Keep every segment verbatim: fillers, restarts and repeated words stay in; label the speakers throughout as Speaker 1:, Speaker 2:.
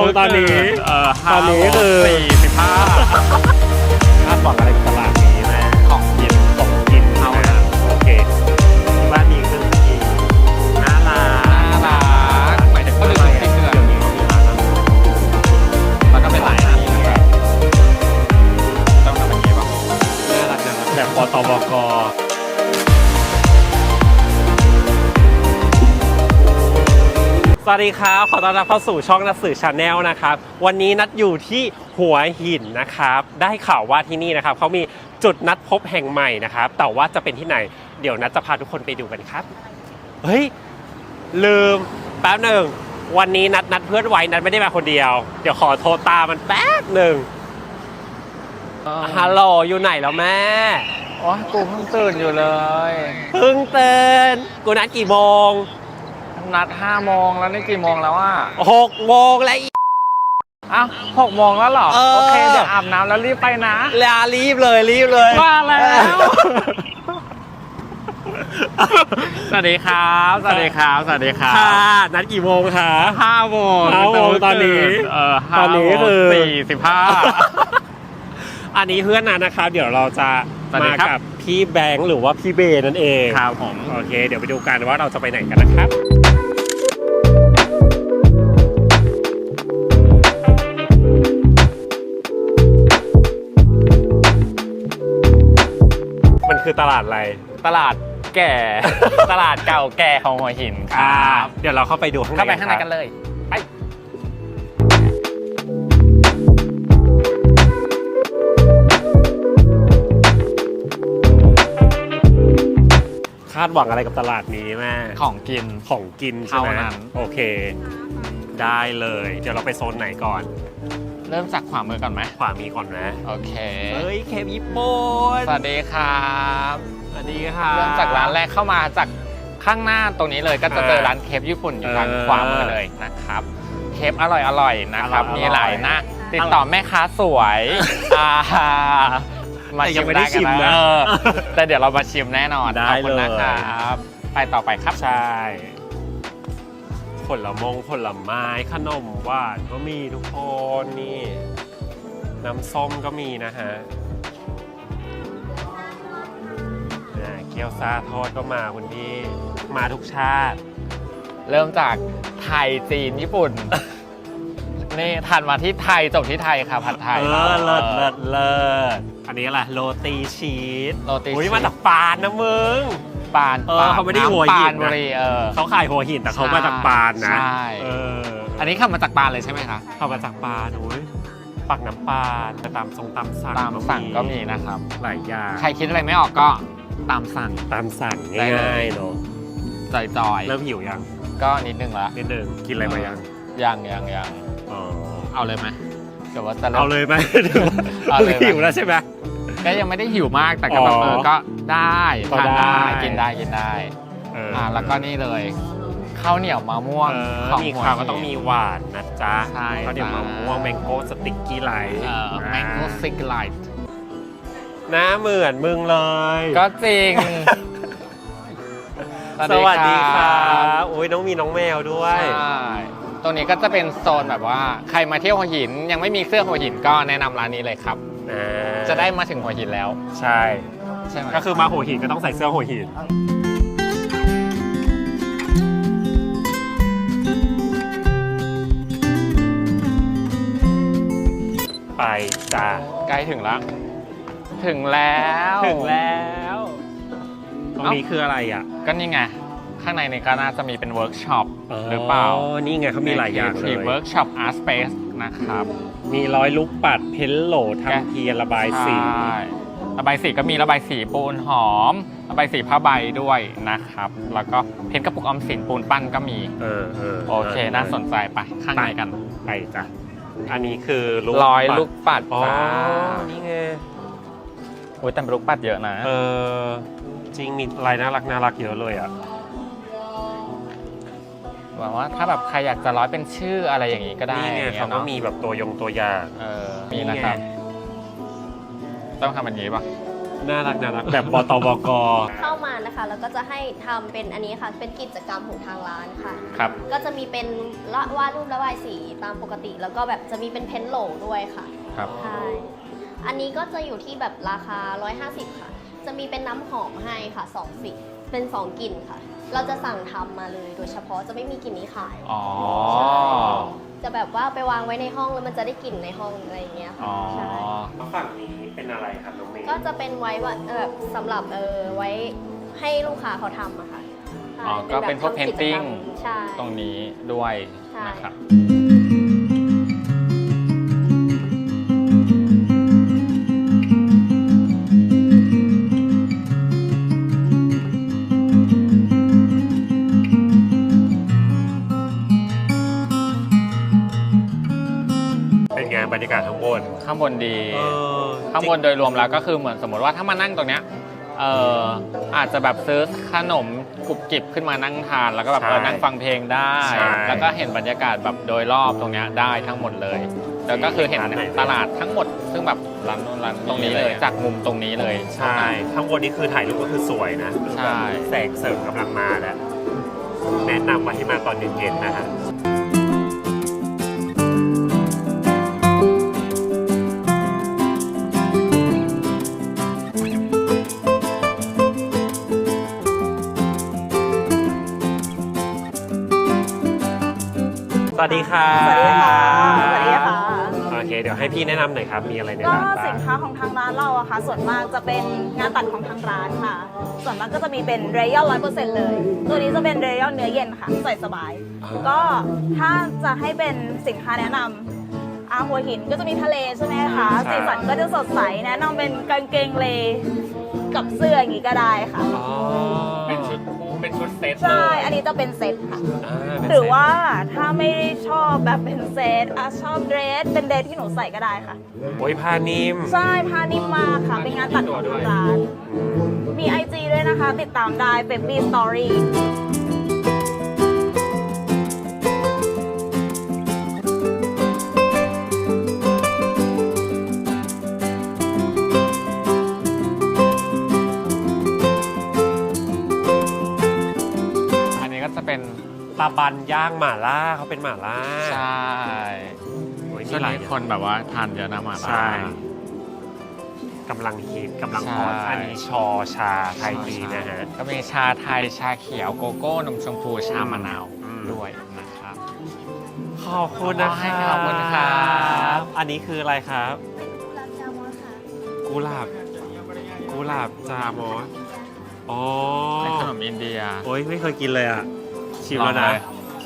Speaker 1: งตอนนี้
Speaker 2: เออ
Speaker 1: ตอนนี้คือ
Speaker 2: สี่สิบห้า
Speaker 1: คาดหวังอะไรกับตลาดนี้แม่
Speaker 2: ของกิน
Speaker 1: ของกินเอานะโอเคที่บ้านมีเครื่องกินน่ารัก
Speaker 2: น่ารักหมายถึงก็เลยที่เดือน
Speaker 1: เดี๋ยวนี้เขามีร้านอาหาร
Speaker 2: แล้วก็เป็นหลายร้านแบบต้องทำแบบนี้ป่ะน่ารักจัง
Speaker 1: แบบปตบกสวัสดีครับขอต้อนรับเข้าสู่ช่องนัทสื่อชาแนลนะครับวันนี้นัดอยู่ที่หัวหินนะครับได้ข่าวว่าที่นี่นะครับเขามีจุดนัดพบแห่งใหม่นะครับแต่ว่าจะเป็นที่ไหนเดี๋ยวนัดจะพาทุกคนไปดูกันครับเฮ้ยลืมแป๊บหนึ่งวันนี้นัดนัดเพื่อนไว้นัดไม่ได้มาคนเดียวเดี๋ยวขอโทรตามมันแป๊บหนึ่งฮัลโหลอยู่ไหนแล้วแม่
Speaker 2: โอ้ยกูเพิ่งตื่นอยู่เลย
Speaker 1: เพิ่งตื่นกูนัดกี่โมง
Speaker 2: นัดห้าโมงแล้วนี่กี่โมงแล้วอ่ะ
Speaker 1: หกโมงแล้วอี
Speaker 2: อ้าวหกโมงแล้วเหรอ
Speaker 1: เออ
Speaker 2: โอเคเดี๋ยวอาบน้ำแล้วรีบไปนะ
Speaker 1: ลารีบเลยรีบเลย
Speaker 2: มาแล้ว สวัสดีครับสวัสดีครับสวัสดีครับ
Speaker 1: ค่ะนัดกี่โมงคะ
Speaker 2: ห้าโมง
Speaker 1: ห้าโมงตอนนี้
Speaker 2: เออ
Speaker 1: ตอนนี้คือ
Speaker 2: สี่สิบห้า
Speaker 1: อันนี้เพื่อนนัดนะครับเดี๋ยวเราจะ
Speaker 2: สวัสดี
Speaker 1: มา
Speaker 2: ครับ
Speaker 1: กับพี่แบงค์หรือว่าพี่เบนั่นเอง
Speaker 2: ครับผม
Speaker 1: โอเคเดี๋ยวไปดูกันว่าเราจะไปไหนกันนะครับมันคือตลาดอะไร
Speaker 2: ตลาดแก่ ตลาดเก่าแก่ของหัวหินค
Speaker 1: อ่า
Speaker 2: รับ
Speaker 1: เดี๋ยวเราเข้าไปดูข้างใน
Speaker 2: เข้าไปข้างใน
Speaker 1: ครับ
Speaker 2: กันเลยไป
Speaker 1: คาดหวังอะไรกับตลาดนี้แม่
Speaker 2: ของกิน
Speaker 1: ของกินใช่ไหม
Speaker 2: เท่านั้น
Speaker 1: โอเค ได้เลย เดี๋ยวเราไปโซนไหนก่อน
Speaker 2: เริ่มจากขวามือก่อนไหม
Speaker 1: ขวามีก่อนนะ
Speaker 2: โอเค
Speaker 1: เฮ้ยเคปญี่ปุ่น
Speaker 2: สวัสดีครับ
Speaker 1: สวัสดีค่ะ
Speaker 2: เริ่มจากร้านแรกเข้ามาจากข้างหน้าตรงนี้เลยก็จะเจอร้านเคปญี่ปุ่นอยู่ทาง
Speaker 1: เออ
Speaker 2: ขวามือเลยนะครับเคปอร่อยอร่อยๆนะครับ
Speaker 1: อร่อยๆ
Speaker 2: มีหลายหน้าติดต่อแม่ค้าสวยอ่ามา
Speaker 1: แต่ยั
Speaker 2: ชิ
Speaker 1: ง
Speaker 2: ม
Speaker 1: ไม่ได้
Speaker 2: ได้
Speaker 1: ชิ
Speaker 2: กัน
Speaker 1: ม
Speaker 2: นะ
Speaker 1: นะ
Speaker 2: เออแต่เดี๋ยวเรามาชิมแน่นอน
Speaker 1: ได้
Speaker 2: ขอบคุณ
Speaker 1: เลย
Speaker 2: นะครับไปต่อไปครับ
Speaker 1: ใช่ผลมงผลไม้ขนมหวานก็มีทุกคนนี่ น้ำส้มก็มีนะฮะอ่าเกี๊ยวซาทอดก็มาคุณพี่มาทุกชาติ
Speaker 2: เริ่มจากไทยจีนญี่ปุ่น นี่ทันมาที่ไทยจบที่ไทยค่ะผัดไทย
Speaker 1: เออเลิศเลิศเลิศอันนี้อะไรโรตีชีส
Speaker 2: โรตี
Speaker 1: อุ้ย
Speaker 2: ชีส
Speaker 1: มาจากปานนะมึง
Speaker 2: ปาน
Speaker 1: เออเขาไม่ได้หัวหินนะ
Speaker 2: ปานบุรีเออ
Speaker 1: เขาขายหัวหินแต่เขามาจากปานนะ
Speaker 2: ใช่
Speaker 1: เออ
Speaker 2: อันนี้ขับมาจากปานเลยใช่ไหมคะ
Speaker 1: เขามาจากปานโอ้ยปักน้ำปานแต่ตามทรงตามสั่ง
Speaker 2: ตามสั่งก็มีนะครับ
Speaker 1: หลายอย่าง
Speaker 2: ใครคิดอะไรไม่ออกก็ตามสั่ง
Speaker 1: ตามสั่ง
Speaker 2: ได้เลย
Speaker 1: ง่ายๆเนาะ
Speaker 2: จอย
Speaker 1: เริ่มหิวยัง
Speaker 2: ๆ ก็นิดนึงละ
Speaker 1: นิดนึงกินอะไรมายัง
Speaker 2: ยังยังยัง
Speaker 1: อ๋อ
Speaker 2: เอาเลยไหมเดี๋ยวว่าจะริ่ม
Speaker 1: เอาเลยไหม
Speaker 2: เอาเลยไหม
Speaker 1: หิวแล้วใช่ไหม
Speaker 2: ก็ยังไม่ได้หิวมากแต่ก็แบบ
Speaker 1: อ๋อ
Speaker 2: เออก็ได้
Speaker 1: ก็
Speaker 2: ทาน
Speaker 1: ได้
Speaker 2: ได้กินได้กินได้
Speaker 1: เออ
Speaker 2: อ่าแล้วก็นี่เลยข้าวเหนียวมะม่วง
Speaker 1: เออ
Speaker 2: ของ
Speaker 1: มี
Speaker 2: หัว
Speaker 1: ข้าว
Speaker 2: หิน
Speaker 1: ก็ต้องมีหวานนะจ๊ะ
Speaker 2: ใช่
Speaker 1: ก็เดี๋ยว
Speaker 2: จ้ะ
Speaker 1: มะม่วงแมงโก้สติ๊กกี้ไลท์
Speaker 2: เอ่อแมงโก้ซิกไลท์
Speaker 1: หน้าเหมือนมึงเลย
Speaker 2: ก็จริง
Speaker 1: สวัสดีครับโอ้ยน้องมีน้องแมวด้วย
Speaker 2: ใช่ตรงนี้ก็จะเป็นโซนแบบว่าใครมาเที่ยวหัวหินยังไม่มีเสื้อหัวหินก็แนะนำร้านนี้เลยครับ
Speaker 1: อ่า
Speaker 2: จะได้มาถึงหัวหินแล้ว
Speaker 1: ใช่
Speaker 2: ใช่ไหม
Speaker 1: ก็คือมาหัวหินก็ต้องใส่เสื้อหัวหินไปจ้า
Speaker 2: ใกล้ถึงแล้ว ถึงแล้ว
Speaker 1: ถึงแล้วตรงนี้คืออะไรอ่ะ
Speaker 2: ก็นี่ไง ข้างในนี่ก็น่าจะมีเป็นเวิร์กช็อปหรือเปล่า
Speaker 1: นี่ไงเขามีหลายอย่างเลย
Speaker 2: เวิร์กช็อปอาร์ตสเปซนะครับ
Speaker 1: มีร้อยลูกปัดเพ้นโหลทำเทียนระบายสี
Speaker 2: ใช่ระบายสีก็มีระบายสีปูนหอม ระบายสีผ้าใบด้วยนะครับ แล้วก็เพ้นกระปุกออมสินปูนปั้นก็มี
Speaker 1: เออเออ
Speaker 2: โอเค น่าสนใจไปข้างในกัน
Speaker 1: ไปจ้ะอันนี้คือลูก
Speaker 2: ร้อย
Speaker 1: ปัด
Speaker 2: ลูกปัด
Speaker 1: อ๋อ
Speaker 2: จ้า
Speaker 1: นี่ไง
Speaker 2: โอ้ยแต่เป็นลูกปัดเยอะนะ
Speaker 1: เออจริงมีลายน่ารักน่ารักเยอะเลยอ่ะ
Speaker 2: หวังว่าถ้าแบบใครอยากจะร้อยเป็นชื่ออะไรอย่างนี้ก็ได้
Speaker 1: นี่ไง
Speaker 2: อย่
Speaker 1: เขา
Speaker 2: ย
Speaker 1: ก็
Speaker 2: นะ
Speaker 1: มีแบบตัวยงตัวอย่าง
Speaker 2: เออมีนะครับ ต้องทำแบบนี้ปะ
Speaker 1: น่ารักน่ารักแบบบตบก
Speaker 3: เข้ามานะคะแล้วก็จะให้ทำเป็นอันนี้ค่ะเป็นกิจกรรมของทางร้านค่ะ
Speaker 2: ครับ
Speaker 3: ก็จะมีเป็นละวาดรูประบายสีตามปกติ แล้วก็แบบจะมีเป็นเพ้นท์โหลด้วยค่ะ
Speaker 2: ครับ
Speaker 3: ใช่อันนี้ก็จะอยู่ที่แบบราคาหนึ่งร้อยห้าสิบค่ะจะมีเป็นน้ำหอมให้ค่ะสองสีเป็นสองกลิ่นค่ะ เราจะสั่งทำมาเลยโดยเฉพาะจะไม่มีกลิ่นนี้ขาย
Speaker 2: อ๋อ
Speaker 3: ใช่จะแบบว่าไปวางไว้ในห้องแล้วมันจะได้กลิ่นในห้องอะไรอย่างเงี้ย
Speaker 2: อ๋
Speaker 3: ค่ะ
Speaker 2: อ
Speaker 3: ใช่
Speaker 1: ฝั่งนี้เป็นอะไรครับน้องเมย์
Speaker 3: ก็จะเป็นไว้ว่าเออสำหรับเออไว้ให้ลูกค้าเขาทำอะค่ะใช่
Speaker 2: อ๋อก็เป็นพวก
Speaker 3: แบบทำจรรม
Speaker 2: painting
Speaker 3: ใช่
Speaker 2: ตรงนี้ด้วย
Speaker 3: ใช่
Speaker 2: นะครับ
Speaker 1: เป็นไงบรรยากาศข้างบน
Speaker 2: ข้างบนดี
Speaker 1: เออ
Speaker 2: ข้างบนโดยรวมแล้วก็คือเหมือนสมมติว่าถ้ามานั่งตรงเนี้ยเอออาจจะแบบซื้อขนมกรุบกริบขึ้นมานั่งทาน แล้วก็แบบเออนั่งฟังเพลงได้
Speaker 1: ใช่
Speaker 2: แล้วก็เห็นบรรยากาศแบบโดยรอบตรงเนี้ยได้ทั้งหมดเลย แล้วก็คือเห็นตลาดทั้งหมด ซึ่งแบบร้านนู้นร้านตรงนี้เลย จากมุมตรงนี้เลย
Speaker 1: ใช่ข้างบนนี้คือถ่ายรูปก็คือสวยนะ
Speaker 2: ใช่
Speaker 1: แสงเสริมกำลังมาแล้วแนะนำมาที่มาตอนเย็นๆนะฮะ สวัสดีค่ะ
Speaker 4: สวัสดีค่ะสวัสดีค่ะ
Speaker 1: โอเค เดี๋ยวให้พี่แนะนำหน่อยครับ มีอะไรใน
Speaker 4: ก็
Speaker 1: ร้านบ้า
Speaker 4: สิ
Speaker 1: ง
Speaker 4: นค้าของทางร้านเราอะค่ะ ส่วนมากจะเป็นงานตัดของทางร้านค่ะ ส่วนมากก็จะมีเป็นเรยัลร้อยเปอร์เซ็นต์เลย ตัวนี้จะเป็นเรยัลเนื้อเย็นค่ะ ใส่สบาย ก็ถ้าจะให้เป็นสินค้าแนะนำอาหัวหินก็จะมีทะเลใช่ไหมคะ
Speaker 1: ใช่
Speaker 4: สีสันก็จะสดใส แนะนำเป็นกางเกงเลกับเสื้ออย่างนี้ก็ได้ค่ะ
Speaker 1: อ๋อ
Speaker 2: เป็นชุดคู่เป็นชุดเซต
Speaker 4: ใช่
Speaker 2: เลย
Speaker 4: อันนี้จะเป็นเซตค่ะ
Speaker 1: อ่าเป็น
Speaker 4: หรือ
Speaker 1: เซ็ต
Speaker 4: ว่าถ้าไม่ได้ชอบแบบเป็นเซตอ่ะชอบเดรส เป็นเดรสที่หนูใส่ก็ได้ค่ะ
Speaker 1: โอ้ยผ้านิ่ม
Speaker 4: ใช่พานิ่มมากค่ะ เป็นงานตัดของทางร้าน มี ไอ จี ด้วยนะคะ ติดตามได้ Baby Story
Speaker 2: อันนี้ก็จะเป็น
Speaker 1: ตาบันย่างหม่าล่าเขาเป็นหม่าล่า
Speaker 2: ใช่
Speaker 1: โอ้ย
Speaker 2: ช่วง
Speaker 1: หลา
Speaker 2: นี้
Speaker 1: ย
Speaker 2: คนแบบว่าทานเยอะนะหมาล่า
Speaker 1: ใช่กำลังฮิตกำลังฮอต
Speaker 2: ใช่
Speaker 1: อันนี้ชอชาไทยจีนะฮะ
Speaker 2: ก็มีชาไทยชาเขียวโกโก้นมชมพูชามะนาว
Speaker 1: อืม
Speaker 2: ด้วยนะครับ
Speaker 1: ขอบคุณนะค
Speaker 2: ขอบคุณครับ
Speaker 1: อันนี้คืออะไรครับ
Speaker 3: รับจามอค่ะ
Speaker 1: กุหลาบ กุหลาบจามอสอ๋อ
Speaker 2: เป็นขนมอินเดีย
Speaker 1: โอ้ยไม่เคยกินเลยอ่ะ ชิมแล้ว
Speaker 2: ล
Speaker 1: นะ
Speaker 2: องเย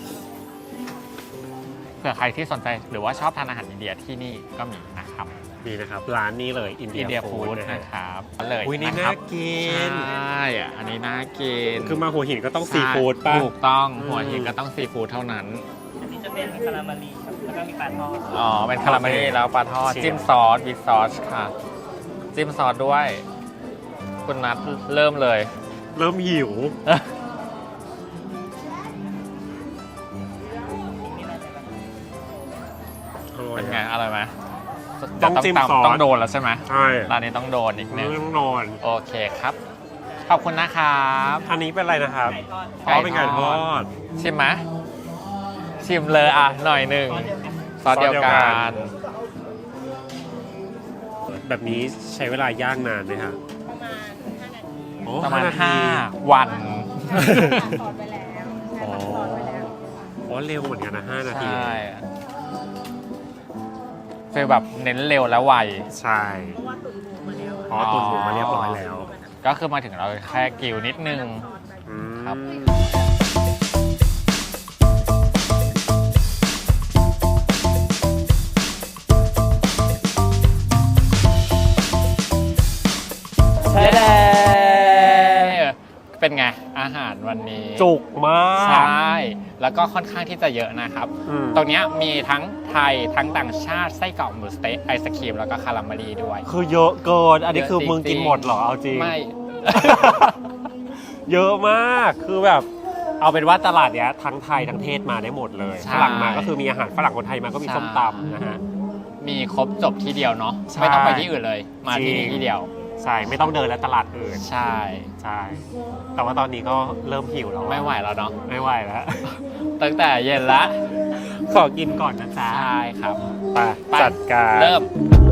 Speaker 2: เผื่อใครที่สนใจหรือว่าชอบทานอาหารอินเดียที่นี่ก็มีนะครับ
Speaker 1: นี่นะครับ ร้านนี้เลยอินเดี
Speaker 2: อิ
Speaker 1: ย
Speaker 2: นเดีย
Speaker 1: ฟู้
Speaker 2: ฟู้
Speaker 1: ด
Speaker 2: ด
Speaker 1: นะฮะ
Speaker 2: นะครับเลย
Speaker 1: อุ้ยนี่
Speaker 2: ะค
Speaker 1: น่า
Speaker 2: รับ
Speaker 1: กิน
Speaker 2: ใช่อะอันนี้น่ากิน
Speaker 1: คือมาหัวหินก็ต้องซีฟู้ดป่ะ
Speaker 2: ถูกต้อง
Speaker 1: อืม
Speaker 2: หัวหินก็ต้องซีฟู้ดเท่านั้น
Speaker 5: อันนี้จะเป็นคาราเมลีครับ แล้วก็มีปลาทอด
Speaker 2: อ๋อ เป็นคาราเมลลี่แล้วปลาทอด
Speaker 1: ชิม
Speaker 2: จิ้มซอสวิดซอสค่ะ จิ้มซอสด้วย คุณนัทเริ่มเลย
Speaker 1: เริ่มหิว
Speaker 2: เป็นไงอร่อยไหม
Speaker 1: ต้องจิ้ม
Speaker 2: ตาม
Speaker 1: ซอส
Speaker 2: ต้องโดนแล้วใช่ไหม
Speaker 1: ใช่
Speaker 2: ร้านนี้ต้องโดนอีกหนึ่ง
Speaker 1: ต้องนอน
Speaker 2: โอเคครับ ขอบคุณนะครับ
Speaker 1: อันนี้เป็นอะไรนะครับ
Speaker 2: ไก่ทอด
Speaker 1: อ๋อเป็นไก่ทอด
Speaker 2: ชิมไหมชิมเลยอ่ะ หน่อยหนึ่งซอสเดียวกั
Speaker 1: ซอสเดียวกัน น แบบนี้ใช้เวลาย่างนานไหมครับ
Speaker 3: ประมาณห้านาที
Speaker 1: อ๋อ
Speaker 2: ประมาณห้าวัน
Speaker 3: ซอสไปแล้วใช่
Speaker 1: อ๋อ
Speaker 3: ตัดซอสไปแล้ว
Speaker 1: อ๋อเร็วเหมือนกันนะห้านาที
Speaker 2: ใช่ฟีลแบบเน้นเร็วและไว
Speaker 1: ใช่อ๋อตุนหมูมาเรียบร้อยแล้ว
Speaker 2: ก็คือมาถึงเราแค่กิวนิดนึง
Speaker 1: อืม
Speaker 2: ครับ
Speaker 1: ใช่แล้ว
Speaker 2: เป็นไง อาหารวันนี้
Speaker 1: จุกมาก
Speaker 2: ใช่ แล้วก็ค่อนข้างที่จะเยอะนะครับ
Speaker 1: อืม
Speaker 2: ตรงเนี้ยมีทั้งไทยทั้งต่างชาติไส้กรอกหมูสเต๊กไอศครีมแล้วก็คาราเมลีด้วย
Speaker 1: คือเยอะเกิน อันนี้คือ
Speaker 2: เยอะจริงๆ
Speaker 1: มึงกินหมดเหรอ เอาจริง
Speaker 2: ไม่
Speaker 1: เยอะมาก คือแบบ เอาเป็นว่าตลาดเนี้ยทั้งไทยทั้งเทศมาได้หมดเลย
Speaker 2: ใช่
Speaker 1: ฝรั่งมาก็คือมีอาหารฝรั่งคนไทยมาก็มี
Speaker 2: ใช่
Speaker 1: ส้มตำนะฮะ
Speaker 2: มีครบจบที่เดียวเนาะ
Speaker 1: ใช่
Speaker 2: ไม่ต้องไปที่อื่นเลย มาที่
Speaker 1: จริ
Speaker 2: นี่
Speaker 1: ง
Speaker 2: ที่เดียว
Speaker 1: ใช่ไม่ต้องเดินแล้วตลาดอื่น
Speaker 2: ใช่
Speaker 1: ใช่แต่ว่าตอนนี้ก็เริ่มหิวแล้วอะ
Speaker 2: ไม่ไหวแล้วเนาะ
Speaker 1: ไม่ไหวแล้ว
Speaker 2: ตั้งแต่เย็นละ
Speaker 1: ขอกินก่อนนะจ๊ะ
Speaker 2: ใช่ครับ
Speaker 1: ไป
Speaker 2: ไป
Speaker 1: จัดการ
Speaker 2: เริ่ม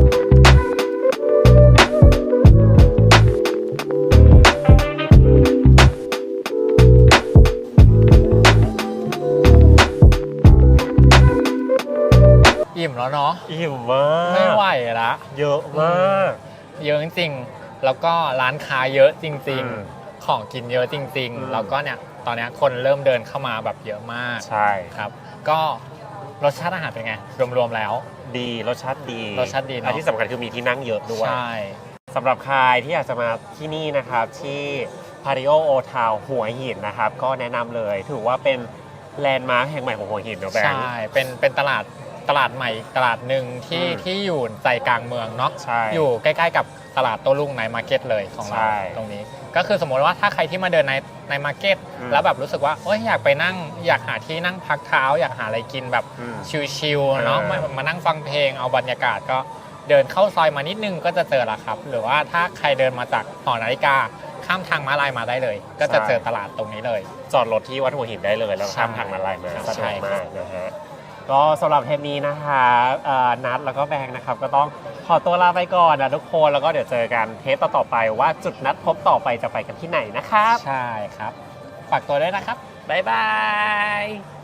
Speaker 2: อิ่มแล้วเนาะ
Speaker 1: อิ่มมาก
Speaker 2: ไม่ไหวละ
Speaker 1: เยอะมาก
Speaker 2: เยอะจริงๆ แล้วก็ร้านค้าเยอะจริง
Speaker 1: อืม
Speaker 2: ๆ ของกินเยอะจริง
Speaker 1: อืม
Speaker 2: ๆ แล้วก็เนี่ยตอนเนี้ยคนเริ่มเดินเข้ามาแบบเยอะมาก
Speaker 1: ใช่
Speaker 2: ครับ ก็รสชาติอาหารเป็นไง รวมๆแล้ว
Speaker 1: ดีรสชาติดี
Speaker 2: รสชาติดีเนอะ
Speaker 1: และที่สำคัญคือมีที่นั่งเยอะด้วย
Speaker 2: ใช่
Speaker 1: สำหรับใครที่อยากจะมาที่นี่นะครับที่พาริโอโอทาวหัวหินนะครับ ก็แนะนำเลยถือว่าเป็นแลนด์มาร์คแห่งใหม่ของหัวหินเนอะแบง
Speaker 2: ใช่
Speaker 1: ค์
Speaker 2: เป็นเป็นตลาดตลาดใหม่ตลาดหนึ่งที่
Speaker 1: อืม
Speaker 2: ที่อยู่ใจกลางเมืองเนาะ
Speaker 1: ใช่
Speaker 2: อยู่ใกล้ๆกับตลาดโต้รุ่งในมาร์เก็ตเลยของเรา
Speaker 1: ใช่
Speaker 2: ตรงนี้ ก็คือสมมติว่าถ้าใครที่มาเดินในในมาร์เก็ต
Speaker 1: อืม
Speaker 2: แล้วแบบรู้สึกว่าเอ้ยอยากไปนั่งอยากหาที่นั่งพักเท้า อยากหาอะไรกินแบบ
Speaker 1: อืม
Speaker 2: ชิลๆเนาะ
Speaker 1: เออ
Speaker 2: มามานั่งฟังเพลงเอาบรรยากาศก็เดินเข้าซอยมานิดนึงก็จะเจอละครับ หรือว่าถ้าใครเดินมาจากหอนาฬิกาข้ามทางม้าลายมาได้เลย ก็จะเจอตลาดตรงนี้เลย
Speaker 1: จอดรถที่วัดหัวหินได้เลยแล้วข้ามทางมาลายมา
Speaker 2: ใช่
Speaker 1: สะดวก
Speaker 2: ครั
Speaker 1: มา
Speaker 2: บ
Speaker 1: กนะฮะก็สำหรับเทปนี้นะคะเอ่อนัดแล้วก็แบงค์นะครับก็ต้องขอตัวลาไปก่อนนะทุกคนแล้วก็เดี๋ยวเจอกันเทปต่อๆไปว่าจุดนัดพบต่อไปจะไปกันที่ไหนนะครับ
Speaker 2: ใช่ครับฝากตัวด้วยนะครับ
Speaker 1: บ๊ายบาย